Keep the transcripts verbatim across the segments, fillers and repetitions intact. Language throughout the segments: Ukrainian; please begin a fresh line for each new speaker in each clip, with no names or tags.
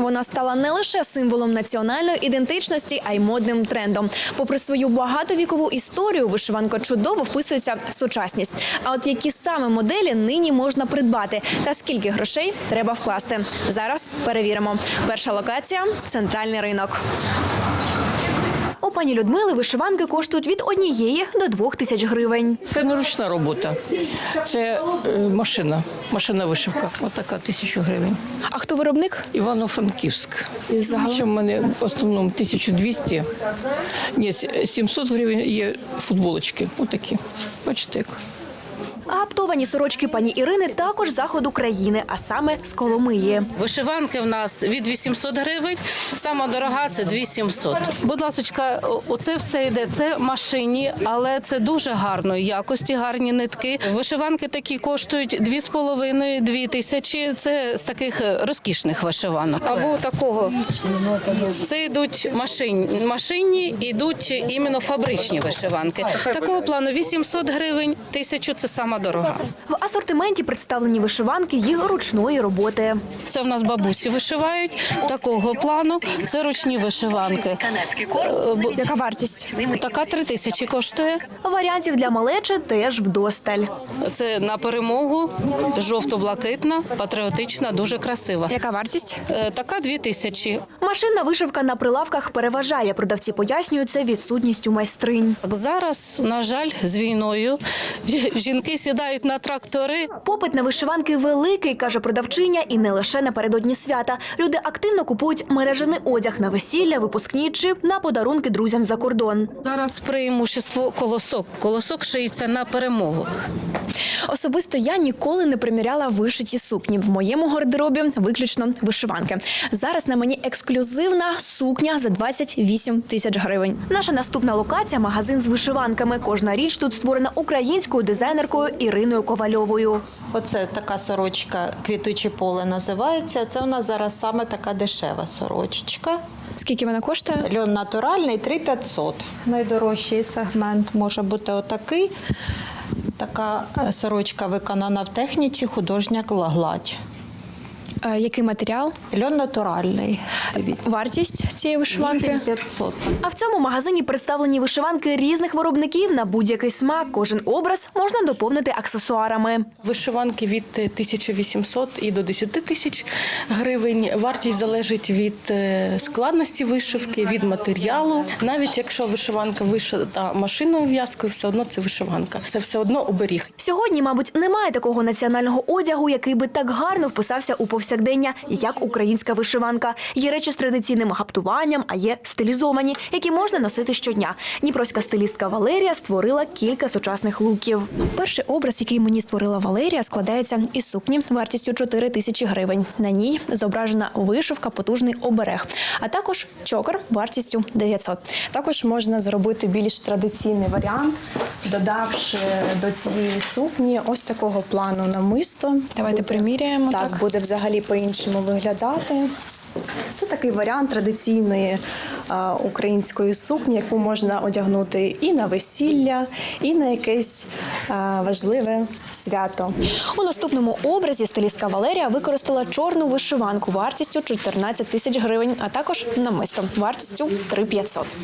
Вона стала не лише символом національної ідентичності, а й модним трендом. Попри свою багатовікову історію, вишиванка чудово вписується в сучасність. А от які саме моделі нині можна придбати та скільки грошей треба вкласти? Зараз перевіримо. Перша локація – центральний ринок. У пані Людмили вишиванки коштують від однієї до двох тисяч гривень.
Це не ручна робота, це е, машина, машина вишивка. Ось така, тисячу гривень.
А хто виробник?
Івано-Франківськ. І загалом в мене в основному тисяча двісті, ні, сімсот гривень є футболочки. Отакі. Бачите, як.
А гаптовані сорочки пані Ірини також з заходу країни, а саме з Коломиї.
Вишиванки в нас від вісімсот гривень, сама дорога – це дві тисячі сімсот. Будь ласочка, оце все йде, це машині, але це дуже гарної якості, гарні нитки. Вишиванки такі коштують дві з половиною, дві тисячі, це з таких розкішних вишиванок. Або такого, це йдуть машинні, машинні, йдуть іменно фабричні вишиванки. Такого плану вісімсот гривень, тисячу – це сама дорога.
В асортименті представлені вишиванки їх ручної роботи.
Це в нас бабусі вишивають такого плану. Це ручні вишиванки.
Яка вартість?
Така три тисячі коштує.
Варіантів для малечі теж вдосталь.
Це на перемогу, жовто-блакитна, патріотична, дуже красива.
Яка вартість?
Е, Така дві тисячі.
Машинна вишивка на прилавках переважає. Продавці пояснюють це відсутністю майстринь.
Зараз, на жаль, з війною жінки сідають на трактори.
Попит на вишиванки великий, каже продавчиня, і не лише напередодні свята. Люди активно купують мережений одяг на весілля, випускні чи на подарунки друзям за кордон.
Зараз преимущество колосок. Колосок шиється на перемогу.
Особисто я ніколи не приміряла вишиті сукні. В моєму гардеробі виключно вишиванки. Зараз на мені ексклюзивна сукня за двадцять вісім тисяч гривень. Наша наступна локація – магазин з вишиванками. Кожна річ тут створена українською дизайнеркою Іриною Ковальовою.
Оце така сорочка «Квітуче поле» називається. Це у нас зараз саме така дешева сорочечка.
Скільки вона коштує?
Льон натуральний – три тисячі п'ятсот. Найдорожчий сегмент може бути отакий. Така сорочка виконана в техніці художня гладь.
А який матеріал?
Льон натуральний.
Вартість цієї вишиванки?
вісім тисяч п'ятсот.
А в цьому магазині представлені вишиванки різних виробників на будь-який смак. Кожен образ можна доповнити аксесуарами.
Вишиванки від тисячі вісімсот і до десяти тисяч гривень. Вартість залежить від складності вишивки, від матеріалу. Навіть якщо вишиванка вишита машинною в'язкою, все одно це вишиванка. Це все одно оберіг.
Сьогодні, мабуть, немає такого національного одягу, який би так гарно вписався у повсякдення, як українська вишиванка. Є речі з традиційним гаптуванням, а є стилізовані, які можна носити щодня. Дніпровська стилістка Валерія створила кілька сучасних луків. Перший образ, який мені створила Валерія, складається із сукні вартістю чотири тисячі гривень. На ній зображена вишивка, потужний оберег, а також чокер вартістю дев'ятсот.
Також можна зробити більш традиційний варіант, додавши до цієї сукні ось такого плану намисто.
Давайте приміряємо.
Так,
Так.
буде взагалі по-іншому виглядати. Це такий варіант традиційної а, української сукні, яку можна одягнути і на весілля, і на якесь а, важливе свято.
У наступному образі стилістка Валерія використала чорну вишиванку вартістю чотирнадцять тисяч гривень, а також намисто вартістю три тисячі п'ятсот.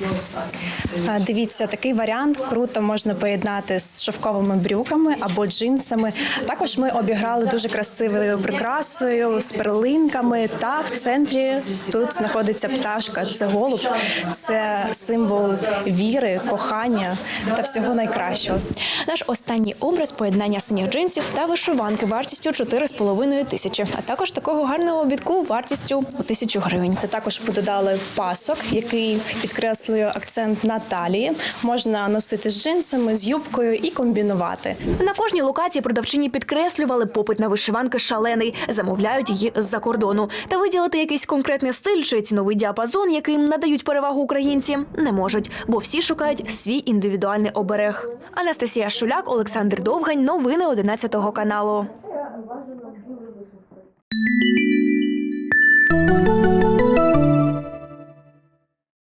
А, Дивіться, такий варіант круто можна поєднати з шовковими брюками або джинсами. Також ми обіграли дуже красивою прикрасою з перлинками, та в центрі тут знаходиться пташка. Це голуб, це символ віри, кохання та всього найкращого.
Наш останній образ – поєднання синіх джинсів та вишиванки вартістю чотири з половиною тисячі, а також такого гарного обідку вартістю у тисячу гривень.
Це також додали пасок, який підкреслює акцент на талії. Можна носити з джинсами, з юбкою і комбінувати.
На кожній локації продавчині підкреслювали, попит на вишиванки шалений, замовляють її з-за кордону. Та виділити якийсь конкретний стиль чи ціновий діапазон, яким надають перевагу українці, не можуть, бо всі шукають свій індивідуальний оберег. Анастасія Шуляк, Олександр Довгань. Новини одинадцятого каналу.